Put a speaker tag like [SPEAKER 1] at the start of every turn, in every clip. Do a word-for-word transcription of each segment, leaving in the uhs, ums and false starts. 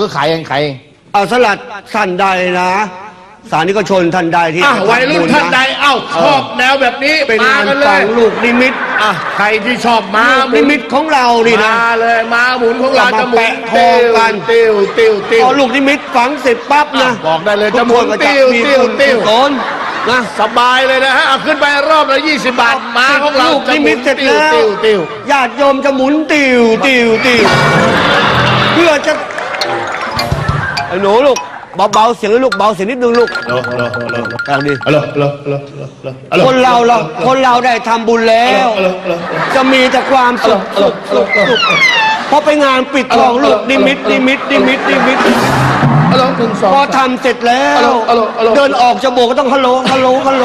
[SPEAKER 1] รือขายเองขายเอง
[SPEAKER 2] เอาสลัดท่านใดนะสานิกชนท่านใดที่
[SPEAKER 3] วัยรุ่นท่านใดเอ้าชอบแนวแบบนี้
[SPEAKER 2] เป็นงาน
[SPEAKER 3] กันเล
[SPEAKER 2] ฝั
[SPEAKER 3] ย
[SPEAKER 2] งลูกนิมิต
[SPEAKER 3] อ่ะใครที่ชอบม้า
[SPEAKER 2] นิมิตของเรานี่นะ
[SPEAKER 3] มาเลยม้าหมุนของเราจะหมุน
[SPEAKER 2] ทองกัน
[SPEAKER 3] ติ้วติ้วติ้ว
[SPEAKER 2] พอลูกนิมิตฝังเสร็จปั๊บนะ
[SPEAKER 3] บอกได้เลยจะหมุนติ้วติ้วติ้ว
[SPEAKER 2] ต้นนะ
[SPEAKER 3] สบายเลยนะฮะเอาขึ้นไปรอบละยี่สิบบาทม้าของเรา
[SPEAKER 2] ลูกนิมิตเสร็จแล้วญาติโยมจะหมุนติ้วติ้วติ้วเพื่อจะไอ้หนูลูกเบาๆเสียงลูกเบาเสียงนิดนึงลูกอย่างนี้คนเราเราคนเราได้ทำบุญแล้วจะมีแต่ความสุขสุขสุขสุขพอไปงานปิดทองลูกนิมิตนิมิตนิมิตนิมิตพอทำเสร็จแล้วเดินออกจะโบกก็ต้องฮัลโหลฮัลโหลฮัลโหล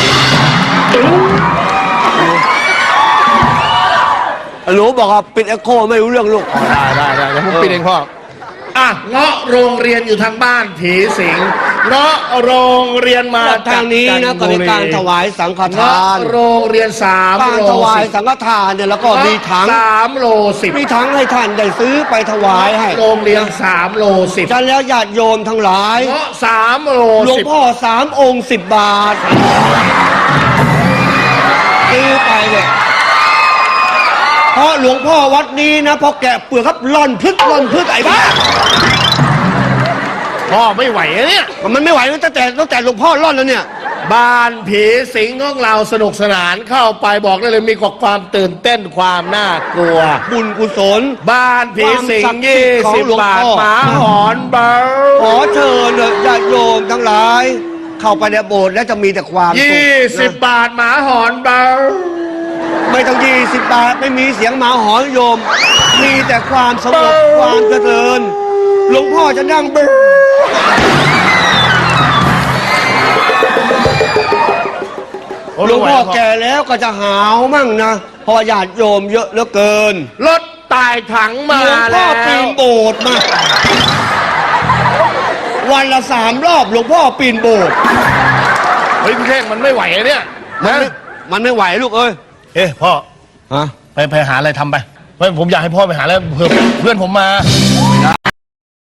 [SPEAKER 2] หนูบอกว่าปิดเอ็กโคไม่รู้เรื่องลูก
[SPEAKER 3] ได้ได้ได้เดี๋ยวผมปิดเองพ่ออ่ะเงาะโรงเรียนอยู่ทางบ้านผีสิงเงาะโรงเรียนมา
[SPEAKER 2] ทางนี้นะก็เป็นการถวายสังฆทาน
[SPEAKER 3] โรงเรียนสาม
[SPEAKER 2] การถวายสังฆทานเนี่ยแล้วก็มีถัง
[SPEAKER 3] สามโลสิบ
[SPEAKER 2] มีถังให้ท่านได้ซื้อไปถวายให้
[SPEAKER 3] โรงเรียนสามโลสิบ
[SPEAKER 2] ฉะนั้นแล้วญาติโยมทั้งหลาย
[SPEAKER 3] เงาะสามโล
[SPEAKER 2] หลวงพ่อสามองค์สิบบาทซื้อไปเลยเพราะหลวงพ่อวัดนี้นะพอแกะเปลือกครับล่อนพึกล่อนพึกไอ้บ้า
[SPEAKER 3] พ่อไม่ไหวเนี่ย
[SPEAKER 2] มันไม่ไหวตั้งแต่ตั้งแต่หลวงพ่อล่อนแล้วเนี่ย
[SPEAKER 3] บ้านผีสิงของเราสนุกสนานเข้าไปบอกได้เลยมีความตื่นเต้นความน่ากลัว
[SPEAKER 2] บุญกุศล
[SPEAKER 3] บ้านผีสิงยี่สิบบาทหมาหอนเบา
[SPEAKER 2] ขอเชิญญาติโยมทั้งหลายเข้าไปในโบสถ์แล้วจะมีแต่ความสุข
[SPEAKER 3] ยี่สิบบาทหมาหอนเบา
[SPEAKER 2] ไม่ต้องยี่สิบบาทไม่มีเสียงหมาหอนโยมมีแต่ความสงบความเจริญหลวงพ่อจะนั่งเบอหลวงพ่อแก่แล้วก็จะหาวมั่งนะเพราะญาติโยมเยอะเหลือเกิน
[SPEAKER 3] รถตายถังมา
[SPEAKER 2] แล้วหลวงพ่อปีนโบสถ์มาวันละสามรอบหลวงพ่อปีนโบสถ์
[SPEAKER 3] เฮ้ยพี่เท่งมันไม่ไหวเนี่ย
[SPEAKER 2] มันมันไม่ไหวลูกเอ้ย
[SPEAKER 3] เอ๊ะพ่อ
[SPEAKER 2] ฮะ
[SPEAKER 3] ไปไปหาอะไรทำไปผมอยากให้พ่อไปหาแล้วเพื่อเพื่อนผมมา